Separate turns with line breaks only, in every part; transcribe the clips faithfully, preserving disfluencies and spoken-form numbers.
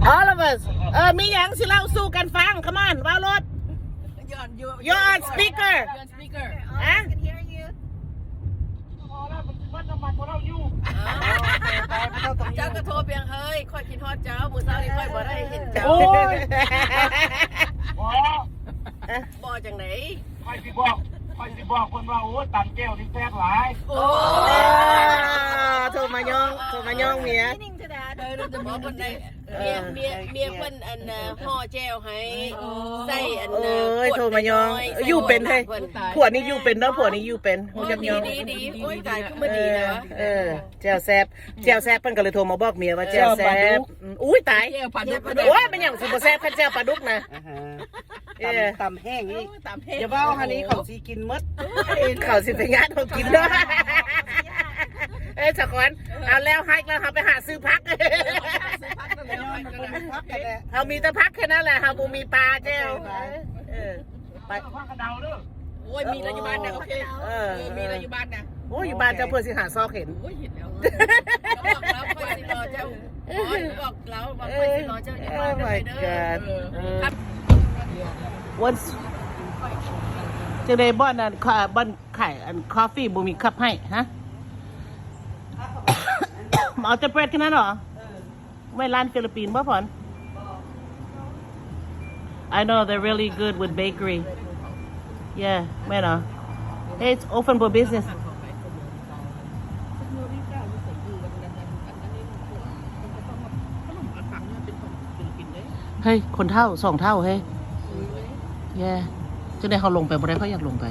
all of us เออมีอย่างสิเล่าสู้กันฟัง come on ว่ารถ you're on speaker อะ
เจ้าก็โทรเพียงเฮ้ยค่อยกินฮอดเจ้าบุษรานี่ค่อยบ่ได้เห็นเจ้า
โอ้ย
บ่จังไหน
คอยสิบอกคอยสิบอกคนว่าโอ้ตันแก้วนี่แซ่บหลาย
โอ้
โทรมายองโทรมายองเมีย
เออจะบอกคนไหนเมียเมียเมียเพิ่นอันห่อแจ้วให้ใส่อัน
เอ้ยโทรมายองอยู่เป็นให้ผัวนี่อยู่เป็นเนาะผัวนี่อยู่เป็น
โอ้
ยับ
ดี
ยอง
ดีดีโอ้ยตายคือ
เอ
มันดี
อ
นะวะ
เออแจวแซบแจวแซบเพิ่นก็เลยโทรมาบอกเมียว่าแจวแซบอุ้ยตายโอ้ยมันอย่างสิบ่แซบคันแจวปลาดุกนะเออ
ตำแห้งนี่
ตามเพศ
อย่าว่าฮันนี้เขาสีกินมด
เขาสิไปงานเขากินเนาะเอ้ยสักคนเอาแล้วให้แล้วเขาไปหาซื้อพักเขามีแต่พักแค่นั้นแหละเขาบ่มีปลาแจวเออไป
พักกระเดาเด้อ
โอ้ยมีอะไรอยู่บ้านนะโอเคเออมีอะไรอยู่บ้านนะ
โอ้ยอยู่บ้านเจ้าเพื่อสิหาซอกเห็น
โอ้ยเห็นแล้วบอกแล้วค่อยสิรอเจ้าบอกแล้วบอกค่อยสิรอเจ้าอย่า
โอ้
มา
my
เด้อ
god วันจะได้บ้านนั้นค่ะบ้านไข่อันคอฟฟี่บ่มีคัพให้ฮะเอาแต่เบรดแค่นั้นเหรอไม่ร้านฟิลิปปินส์ป่ะพอน I know they're really good with bakery yeah ไม่เนาะ hey it's open for business เฮ้ยคนเท่าสองเท่าเฮ้ยแย่จะได้เขาลงไปบ่ได้เขาอยากลงไป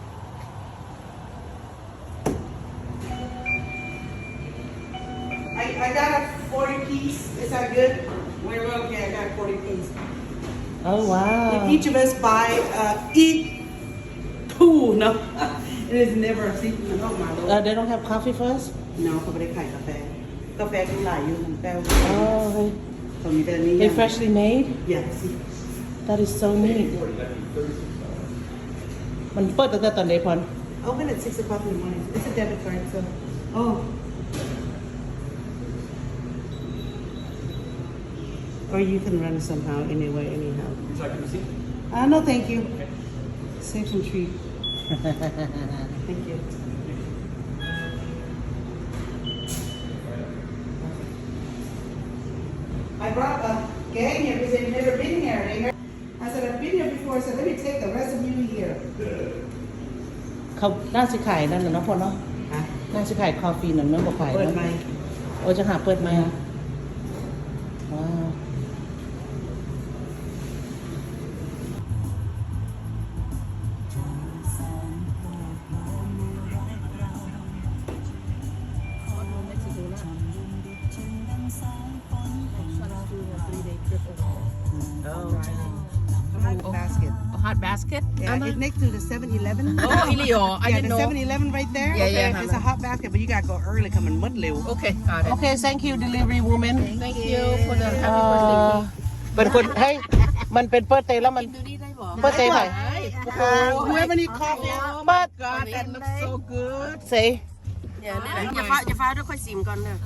I I got a forty piece is that good we're okay I got forty piece
oh wow
if each of us buy uh eat two no it is never a secret oh my lord
uh, they don't have coffee first
no เขาไม่ได้ขายกาแฟกาแฟที่หลายอยู่ของแป้ว
oh hey
เขามีแต่นี้
they freshly made
yes
that is so neat มันเปิดตั้งแต่ตอนไหนพอน
open at six o'clock in the morning it's a debit card so oh or you can run somehow anyway anyhow
Would you like a receipt?
uh no thank you save some treat thank you I brought a gang here because they've never been here. They never, I said, I've been here before. I said, let me take the rest of you here.
เขาน่าสิขายนั่นน่ะเนาะพอนเนาะ
Huh?
น่าสิขายคอฟฟี่นั่นเนาะบ่ขาย
Put
เนาะ
my
โอ้จะหาเปิดไหมว้าว
basket.
hot basket
Yeah, it's next to the seven eleven.
oh really oh I
Yeah,
didn't
the
know
seven eleven right there.
Yeah, yeah,
It's a hot basket, but you gotta go early. Come in mud liu.
okay got it
โอเค thank you delivery woman
thank you for the
เอ่
happy birthday
อเป็นคนเฮ้ยมันเป็นเปิดเตยแล้วมัน
ดูนี่ได้บ่
เปิดเตยไป
Oh, whoever need coffee.
เปิด
God, that looks so good.
เซ
อย่าอย่าฟ้าอย่าฟ้าด้วยค่อยซิมก่อนเด้อ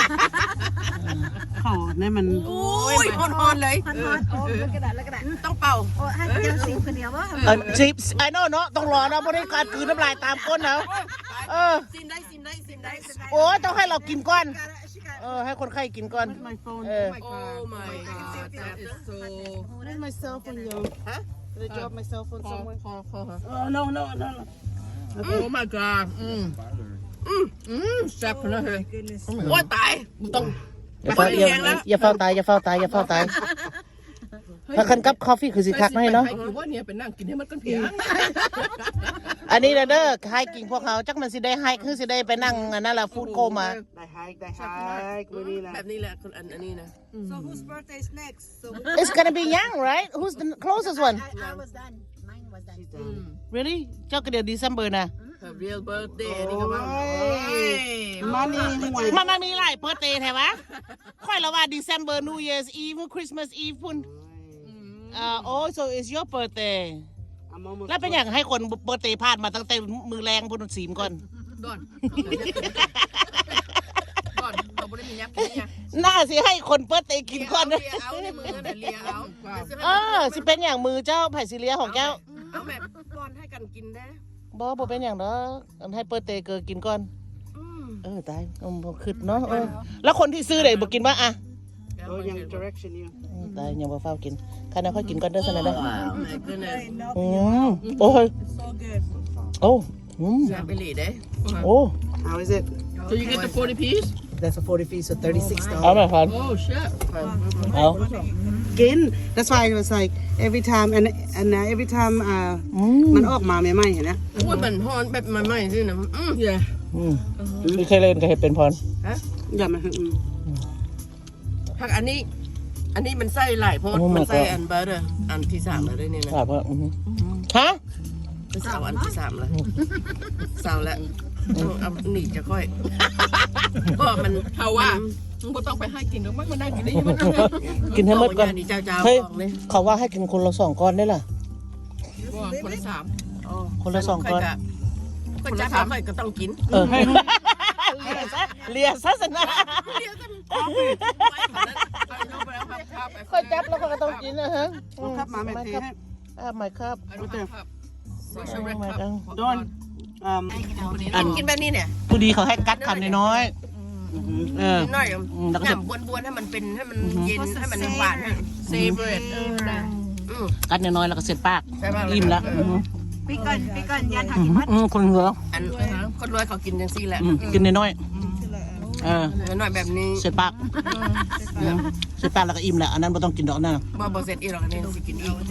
เขาเนี่ยมัน
โอ้ยฮอนๆเลย
ฮอนๆโอ้ยกระดาษแล้วกระดาษ
ต้องเป่า
โอ้ให้เจ้าสิงคนเดียวว่า
เออชิปไอ้โน่เนาะต้องรอนะเพราะได้การคืนน้ำลายตามก้นนะเออ
ซิมได้ซิมได้ซิมได้
โอ้ยต้องให้เรากินก่อนเออให้คนไข้กินก่อน
my phone.
เออ
โอ้ my god that is so
Where's my cell phone, yo?
ฮะ
Did I drop my cell phone
คอ
somewhere?
คอคอ
Oh no no no no.
โอ้ my god อืมอืมอืมแซ่บเลยเฮ้ยโอ้ยตายต้อง
อย่าเฝ้าอย่าอย่าเฝ้าตายอย่าเฝ้าตายอย่าเฝ้าตายถ้าคันกับคอฟฟี่คือสิคักให้เนาะ
อยู่ว่าเนี่ยไปนั่งกินให้มันกันเพียง
อันนี้นะเด้อให้กินพวกเขาจักมันสิได้ให้คือสิได้ไปนั่งอันนั่นแหละฟู้ดโคมา
They hike, they hike. We need
แบบ
that.
นี้แหละคนอันอันนี้นะ
So whose birthday is next? So
It's gonna be young right Who's the closest one
I, I was done. Mine was done.
Really เจ้าก็เดี๋ยว December นะ
Her real birthday นี่ก็ว่า
Money, money.
มันมันมีหลายเปิดเตย์แถวะค่อยละว่า December New Year's Eve Christmas Eve พุ่นอ่าโอ้ so it's your birthday
I'm almost.
แล้วเป็นอย่างให้คนเปิดเตย์พลาดมาตั้งแต่มือแรงพุ่นสีมก่อน
ดอนดอนบ่ได้มียักษ์กินเนี่ย
น่าสิให้คนเปิดเตกินก่อนนะ
เลียเอาในมือน่ะเลียเอา
เออสิเป็นอย่างมือเจ้าไผ่สิเลียของเจ้า
เอาแบบป้อนให้กันกินได้
บ่บ่เป็นอย่างเด้ออันให้เปิดเตเกอกินก่อน
อืม
เออตายอืมบ่คิดเนาะเออแล้วคนที่ซื้อได้บ่กินว่าอ่ะ
Oh, young direction you.
อืมตายยังบ่เฝ้ากินคันนั้นค่อยกินก่อนเด้อซั่นน่ะเด้อ
ว้าว my goodness
อืมโอ้ย
So good.
โอ้อืม
แซ่บไปหลีเด้
โอ้
How is it?
So you get the forty piece
That's a forty feet, so thirty-six
เอา
dollars.
แม่พัน
oh shit
เอา
Again, that's why it was like every time, and and uh, every time uh,
อืม
มันออกมาใหม่ๆเห็นนะ
โอ้ยมันฮ้อนแบบใหม่ๆสินะอืม yeah
อืมไม่เคยเล่นก็เห็ดเป็นพร
อย่ามาอืม
ผักอันนี้ อันนี้มันใส่หลายโพดมันใส่อันเบอร์เดอร์อันที่สามแล้วด้วยนี่นะ
ครับว่าอือฮึฮะ
เป็นสาวอันที่สามแล้วสาวแล้วเอาเอาหนีจะค่อยก็มันเขาว่ามึงก็ต้องไปให้กินหรอกมั้งมันได้กินได้ยังไง
กินให้หมดก่อน
นี่เจ้าเจ้า
เฮ้ย
บอกเลย
เขาว่าให้กินคนละสองก้อนได้ล่ะ
คนละสาม
คนละสองก้อน
คนละสามก็ต้องกิน
เออเลียซะเลียซะสนะค่อยจับแล้วเขาก็ต้องกินนะฮะ
เอาครับมาแม่เทให้
อ่าไม่ครับ
โดนอืม
อันกินแบบนี้เนี่ย
ผู้ดีเขาให้กัดคำน้อยๆเออ
นิดหน่อย
อืมแล้วก็จะ
น้ำบวนๆให้มันเป็นให้มันเย็นให้มันหวานเซเบรดเออได้อืม
กัดน้อยๆแล้วก็เสร็จปาก
ใช่ป่ะ
อิ่มละอืม
Pi con, pi con, yan
อื
hạt
มอืมคนเหลือ
อันคนรวยเขากินจังซี่แหละ
อืมกินน้อยๆเออ
หน่อยแบบนี้
เสร็จปากอืมเสร็จปากแล้วก็อิ่มแหละอันนั้นไม่ต้องกินดอกนั่นน่ะ
บ่บ่เสร็จอีกหรอกอันนี้สิกินอีก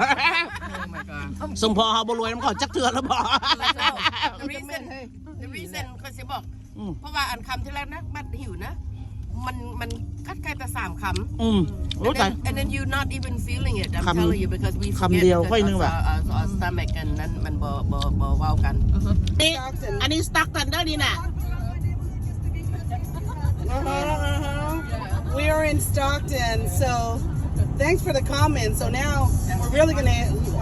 สมพอเฮาบ่รวยมันก็จักเทื่อแล้วบ่
รีเซนรีเซนเขาสิบอก
อืม
เพราะว่าอันคำที่แรกนะบัดหิวนะ มันมันคัดแค่แต่สามคำ
อืมโอ้
and
ตาย
then and then you not even feeling it I'm
คำ
telling you because we
คำเดียวค่อยนึงว่ะ
our our stomach กันนั้นมันบ่บ่บ่เว้ากัน
นี่อันนี้สตั๊กกันได้นี่น่ะ
We are in Stockton, so thanks for the comment. So now we're really gonna.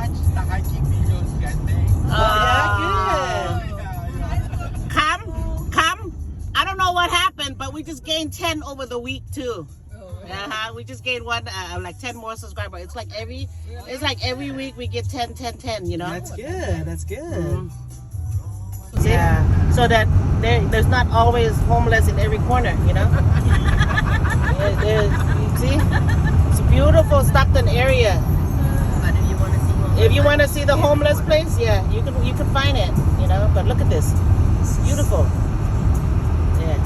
Oh yeah, good.
Come come I don't know what happened but we just gained ten over the week too uh-huh we just gained one uh, like ten more subscribers it's like every it's like every week we get ten ten ten you know
That's good. That's good.
yeah so that there, there's not always homeless in every corner you know there, there's, you see it's a beautiful Stockton area
but if you want to see more
if you want to see the homeless place yeah you can you can find it you know but look at this it's beautiful yeah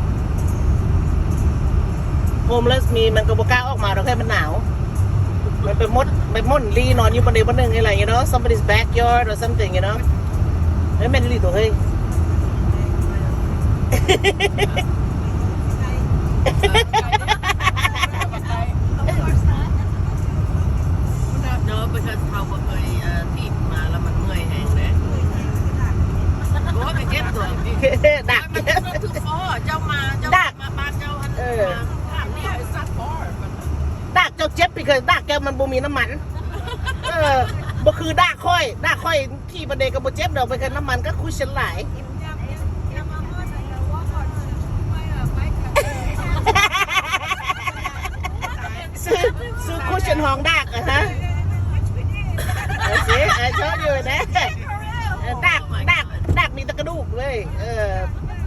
homeless มีมันก็บ่กล้าออกมาหรอกแค่มันหนาวมันไปมดไปม่อนลีนอนอยู่บนใดบนหนึ่งอะไร you know somebody's backyard or something you know เฮ้ยแม่นลีตัวเฮ้ย
no because เขาบ่เคยเอ่อที่มาแล้วมันเมื่อยแห้งนะโอ้ยไปเจ็บตัว
ดัก
มันมันคือฟอเจ้ามาเจ้ามาบ้านเจ้าอัน
เออ
ถามเนี่ยไอ้ซัดฟอ
ดักเจ้าเจ็บไปเคยดักแกมันบ่มีน้ำมันเออบ่คือดักค่อยดักค่อยที่บันไดก็บ่เจ็บดอกไปกันน้ำมันก็คุยฉันหลาย ซื้อซื้อคุชชั่นห้องดักอะฮะเอาสิเออชอบอยู่นะเออดักดักดักมีแตะกระดูกเลยเออ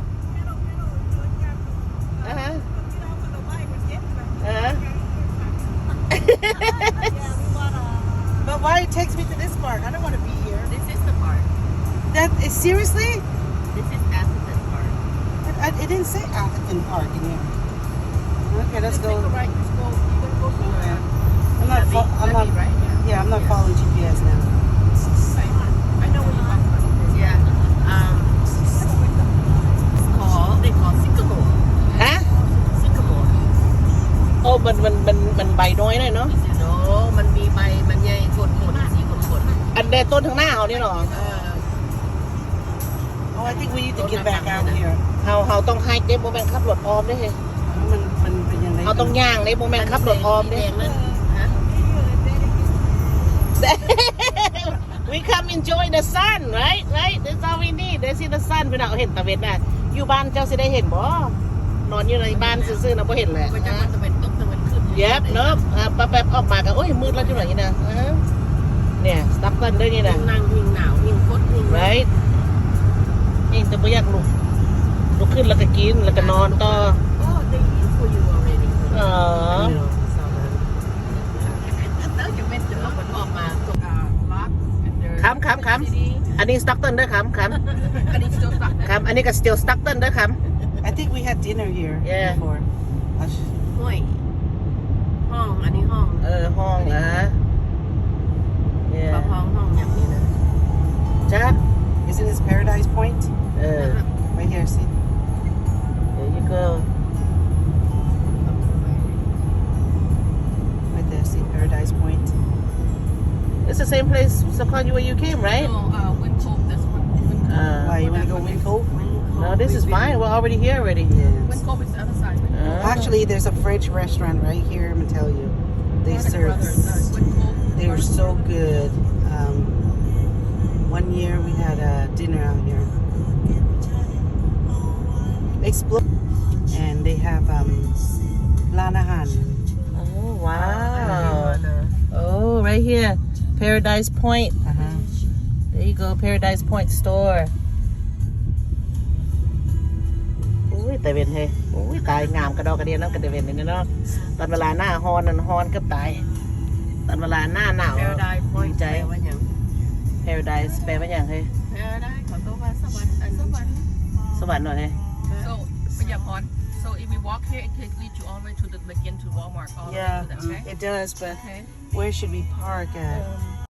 อ่าฮะอ่าฮะ
But why it takes me to this park? I don't want to be here.
this is the part
That is seriously?
this is Atherton Park
It, I, it didn't say Atherton Park in here. Okay, let's go.
Take a right just go you gonna go somewhere
I'm not. Fo- I'm not.
right yeah
Yeah, I'm not following G P S now.
I know where you come from yeah um it's called they call Sycamore
ฮะ
Sycamore
โอ้มันมันมันมันใบน้อยหน่อยเนาะ
you know มันมีใบมันใหญ่ขดขดสีขดขด
อันเดต้นทางหน้าเขาเนี่ยหรอ
เออ
Oh, I think we need to get back out here.
เขาเขาต้องไฮเด้โมเมนต์ขับรถออมได้เลย
มันมันเป็นยังไง
เขาต้องย่างในโมเมนต์ขับรถออมได้
แดงนั่นฮะ
We come enjoy the sun right right that's all we need they see the sun พี่น้องเห็นตะเวนน่ะอยู่บ้านเจ้าสิได้เห็นบ่นอนอยู่ในบ้านซื่อๆนะไ่เห็นเลย
ก็จะมันจะเป็นตกจะเป็นขึ้น
เย็บเนาะอ่ะแป๊บๆออกมาก็โอ้ยมืดแล้วจังไหนนี่นะอ่าเนี่ยสตั๊กเกิลด้วยนี่นะ
นั่งยิงหนาวยิงคดยิง
right เองแต่ไม่อยากลุกลุกขึ้นแล้วก็กินแล้วก็นอนต่อ
โอ้ได้ยินคุยอยู่ already
อ๋อ
แล้วจะเป็นจะออกมันออกมาตกอ่าล็อก
คำคำคำอันนี้สตั๊กเกิลด้วยคำคำ
อันนี้จะตัก
คำอันนี้ก็ still สตั๊กเกิลด้วยค
I think we had dinner here
Yeah.
before. I'll sh-
ห้วยห้องอันนี้ห้อง
ำเออห้องอ่ะเนี่ย
ห้องห้องอย่างนี้นะ
จ้า
Isn't this Paradise Point?
เออ
Right here, see?
there you go
Right there, see Paradise Point.
it's the same place Sakan, where you came right
No, uh, Wind Cove, this one. Wind Cove.
uh,
Why, you want to go Wind Cove?
no this is fine we're already here already
Wind Cove is the other side. Wind Cove.
uh,
Actually, there's a French restaurant right here, I'm going to tell you. They
Brothers,
serve,
uh, Wind Cove.
they were so good. Um, one year we had a dinner out here. Explore. And they have um, Lanahan.
oh wow oh right here Paradise Point
Uh-huh.
there you go Paradise Point store อุ้ยแต่เวนเฮ้ยอุ้ยตายงามกระดอกกระเดียนนั่นกระเดเวนนี่เนาะตอนเวลาหน้าฮอนนั่นฮอนก็ตายตอนเวลาหน้าหนาว
Paradise Point
ใจ
แปลว่าอย่าง
Paradise แปลว่าอย่างเฮ้ย
Paradise ขอตัวว่าสวรรค์อันสวรรค์
สวรรค์หน่อยเฮ้ย
So พยาพร so if we walk here it takes lead you all the way to the begin to Walmart all the way
Yeah,
to the okay
it does, but
okay
where should we park at?